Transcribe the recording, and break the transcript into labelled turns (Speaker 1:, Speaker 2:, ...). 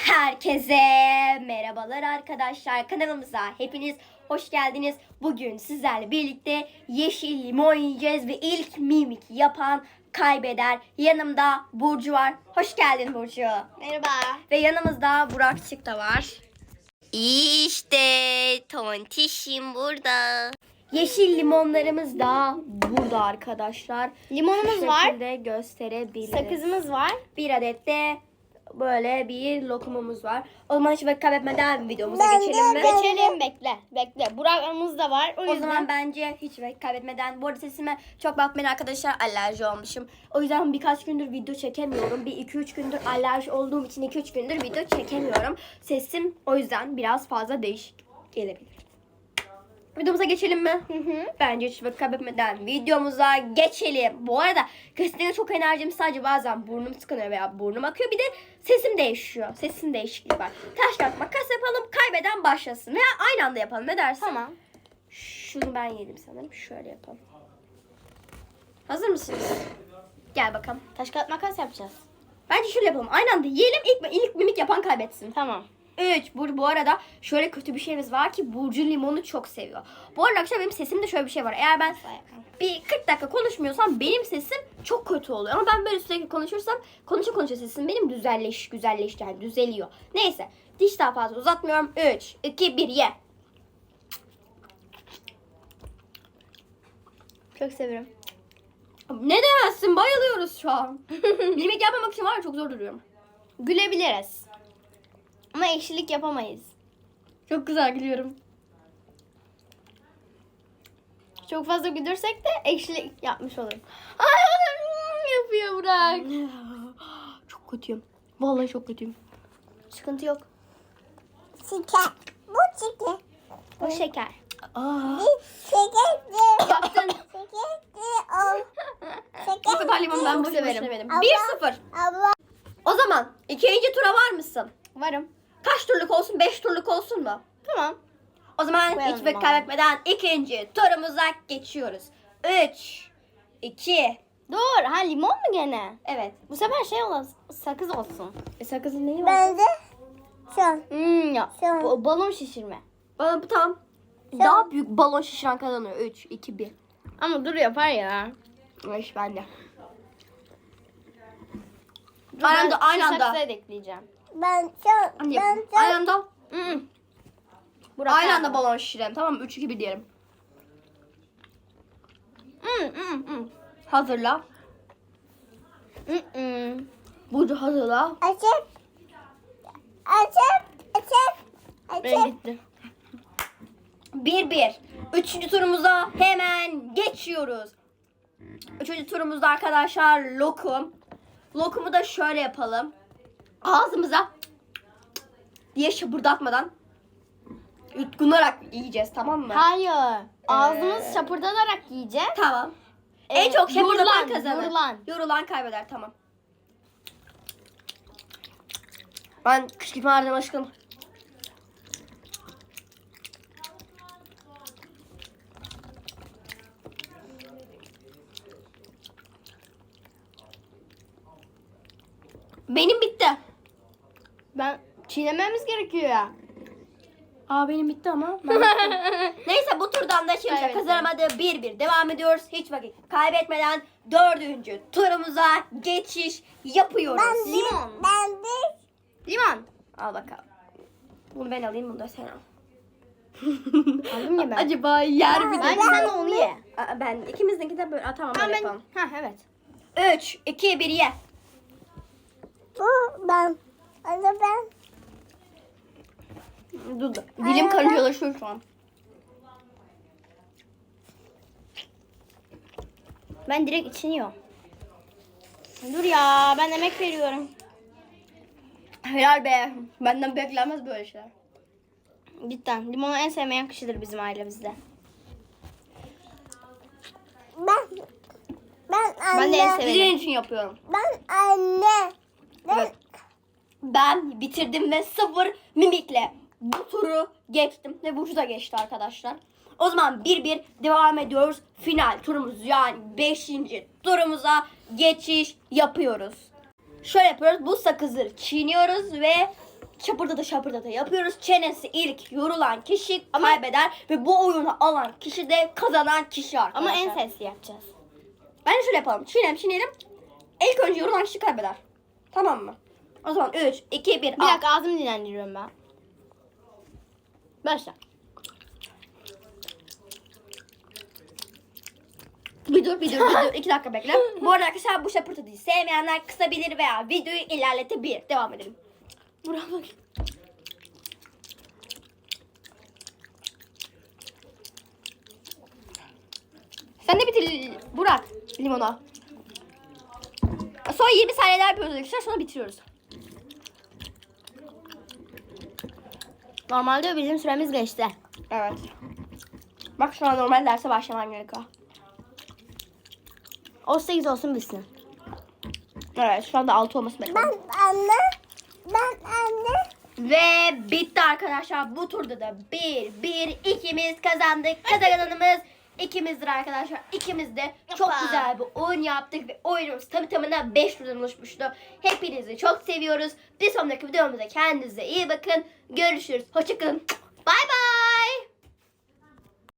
Speaker 1: Herkese merhabalar arkadaşlar, kanalımıza hepiniz hoş geldiniz. Bugün sizlerle birlikte yeşil limon yiyeceğiz ve ilk mimik yapan kaybeder. Yanımda Burcu var. Hoş geldin Burcu.
Speaker 2: Merhaba.
Speaker 1: Ve yanımızda Burakçık da var. İşte tontişim burada. Yeşil limonlarımız da burada arkadaşlar.
Speaker 2: Limonumuz
Speaker 1: Şu
Speaker 2: var.
Speaker 1: şekilde gösterebiliriz.
Speaker 2: Sakızımız var.
Speaker 1: Bir adet de böyle bir lokumumuz var. O zaman hiç vakit kaybetmeden videomuza geçelim mi?
Speaker 2: Geçelim, bekle. Burak'ımız da var.
Speaker 1: O zaman bence hiç vakit kaybetmeden, bu arada sesime çok bakmayın arkadaşlar, alerji olmuşum. O yüzden birkaç gündür video çekemiyorum. Bir 2-3 gündür alerji olduğum için 2-3 gündür video çekemiyorum. Sesim o yüzden biraz fazla değişik gelebilir. Videomuza geçelim mi? Bence hiç vakit kaybetmeden videomuza geçelim. Bu arada kesinlikle çok enerjim, sadece bazen burnum tıkanıyor veya burnum akıyor. Bir de sesim değişiyor. Sesin değişikliği var. Taş kağıt makas yapalım, kaybeden başlasın. Veya aynı anda yapalım, ne dersin?
Speaker 2: Tamam.
Speaker 1: Şunu ben yedim sanırım. Şöyle yapalım. Hazır mısınız? Gel bakalım.
Speaker 2: Taş kağıt makas yapacağız.
Speaker 1: Bence şöyle yapalım. Aynı anda yiyelim. İlk mimik yapan kaybetsin.
Speaker 2: Tamam.
Speaker 1: 3. Bu arada şöyle kötü bir şeyimiz var ki Burcu limonu çok seviyor. Bu arada arkadaşlar benim sesimde şöyle bir şey var. Eğer ben bir 40 dakika konuşmuyorsam benim sesim çok kötü oluyor. Ama ben böyle sürekli konuşursam konuşa sesim benim güzelleşti yani düzeliyor. Neyse, diş daha fazla uzatmıyorum. 3, 2, 1 ye.
Speaker 2: Çok severim.
Speaker 1: Ne demezsin, bayılıyoruz şu an. Yemek yapmamak için var ya, çok zor duruyorum.
Speaker 2: Gülebiliriz. Ama ekşilik yapamayız.
Speaker 1: Çok güzel gülüyorum.
Speaker 2: Çok fazla güldürsek de ekşilik yapmış olurum. Ay, yapıyor Burak.
Speaker 1: Çok kötüyüm. Vallahi çok kötüyüm.
Speaker 2: Sıkıntı yok.
Speaker 3: Şeker. Bu şeker.
Speaker 2: Bu şeker.
Speaker 1: Aa.
Speaker 3: Şeker.
Speaker 2: Yaptın.
Speaker 1: Bu kadar limon ben
Speaker 2: Çok
Speaker 1: boşuna
Speaker 2: severim.
Speaker 1: severim.
Speaker 3: Abla.
Speaker 1: 1-0.
Speaker 3: Abla.
Speaker 1: O zaman ikinci tura var mısın?
Speaker 2: Varım.
Speaker 1: Kaç turluk olsun? 5 turluk olsun mu?
Speaker 2: Tamam.
Speaker 1: O zaman
Speaker 2: Koyalım
Speaker 1: hiç vakit
Speaker 2: abi.
Speaker 1: kaybetmeden ikinci turumuza geçiyoruz. 3, 2,
Speaker 2: Dur. Ha, limon mu gene?
Speaker 1: evet.
Speaker 2: Bu sefer şey olsun. Sakız olsun.
Speaker 1: Sakızın neyi var?
Speaker 3: Ben de şu an.
Speaker 2: Ya.
Speaker 3: Şu.
Speaker 2: Balon şişirme.
Speaker 1: Bana bu tam. Daha büyük balon şişiren kazanıyor. 3, 2, 1.
Speaker 2: Ama dur yapar ya.
Speaker 1: İş bende.
Speaker 2: Dur,
Speaker 1: Aynı
Speaker 2: ben
Speaker 1: anda,
Speaker 2: şu
Speaker 1: aynı anda.
Speaker 2: saksıya da ekleyeceğim.
Speaker 3: Ben şu an. Ben şu
Speaker 1: Aynı
Speaker 3: an.
Speaker 1: anda.
Speaker 2: Burak
Speaker 1: Aynı
Speaker 2: abi.
Speaker 1: anda balon şişirelim. Tamam mı? 3, 2, 1 diyelim. Hazırla. Burcu hazırla.
Speaker 3: Açıp. Açıp. Açıp.
Speaker 2: Ben
Speaker 3: Açıp.
Speaker 2: gitti.
Speaker 1: 1-1. Üçüncü turumuza hemen geçiyoruz. Üçüncü turumuzda arkadaşlar lokum. Lokumu da şöyle yapalım. Ağzımıza diye şapırdatmadan yutkunarak yiyeceğiz, tamam mı?
Speaker 2: Hayır. Ağzımız şapırdanarak yiyeceğiz.
Speaker 1: Tamam. En çok şapırdatan
Speaker 2: yorulan,
Speaker 1: kazanır.
Speaker 2: yorulan.
Speaker 1: Yorulan kaybeder, tamam. Ben kışkırtmalardan aşkım. Benim bitti.
Speaker 2: Ben çiğnememiz gerekiyor ya.
Speaker 1: Aa, benim bitti ama. Ben bittim. Neyse, bu turdan da kimse
Speaker 2: Kaybettim.
Speaker 1: kazanamadı. 1-1 devam ediyoruz. Hiç vakit kaybetmeden dördüncü turumuza geçiş yapıyoruz.
Speaker 2: Limon.
Speaker 3: Ben de.
Speaker 2: Limon.
Speaker 1: Al bakalım. Bunu ben alayım, bunu da sen al.
Speaker 2: Aldım ya ben.
Speaker 1: Acaba yer mi?
Speaker 2: Bence sen de onu ye.
Speaker 1: Aa, ben ikimizinki de böyle. Aa, tamam,
Speaker 2: Tamam
Speaker 1: böyle
Speaker 2: ben.
Speaker 1: yapalım.
Speaker 2: Ha evet.
Speaker 1: 3, 2, 1 ye.
Speaker 3: Bu ben. Onu ben.
Speaker 1: Dur. Dilim karıncalaşıyor şu an.
Speaker 2: Ben direkt içini yiyorum. Dur ya, ben emek veriyorum.
Speaker 1: Helal be. Benden beklenmez böyle şeyler.
Speaker 2: Cidden. Limonu en sevmeyen kişidir bizim ailemizde.
Speaker 3: Ben. Ben anne.
Speaker 2: Ben de en severim.
Speaker 1: Sizin için yapıyorum.
Speaker 3: Ben anne.
Speaker 1: Evet. Ben bitirdim ve 0 mimikle bu turu geçtim ve Burcu da geçti arkadaşlar. O zaman 1-1 devam ediyoruz. Final turumuz, yani 5. turumuza geçiş yapıyoruz. Şöyle yapıyoruz. Bu sakızı çiğniyoruz ve şapırdata yapıyoruz. Çenesi ilk yorulan kişi kaybeder ve bu oyunu alan kişi de kazanan kişi
Speaker 2: Ama
Speaker 1: arkadaşlar.
Speaker 2: en sesli yapacağız.
Speaker 1: Bence şöyle yapalım. Çiğneyelim. İlk önce yorulan kişi kaybeder. Tamam mı? O zaman 3, 2, 1.
Speaker 2: Bir dakika ağzımı dinlendiriyorum ben. Başla.
Speaker 1: Bir dur. 2 dakika bekle. Bu arada arkadaşlar bu şapırtıyı sevmeyenler kısabilir veya videoyu ilerletebilir. Devam edelim.
Speaker 2: Buraya bak.
Speaker 1: Sen de bitir Burak limona. Son 20 saniyeler yapıyoruz arkadaşlar. Sonra bitiriyoruz.
Speaker 2: Normalde bizim süremiz geçti.
Speaker 1: Evet. Bak şu an normal derse başlaman gerekiyor.
Speaker 2: 18 olsun bitsin.
Speaker 1: Evet şu anda 6 olması bekliyorum.
Speaker 3: Ben anne.
Speaker 1: Ve bitti arkadaşlar. Bu turda da 1 ikimiz kazandık. Kazananımız ikimizdir arkadaşlar. İkimiz de çok
Speaker 2: Yapma.
Speaker 1: güzel bir oyun yaptık ve oyunumuz tamına 5 turdan oluşmuştu. Hepinizi çok seviyoruz. Bir sonraki videomuzda kendinize iyi bakın. Görüşürüz. Hoşçakalın.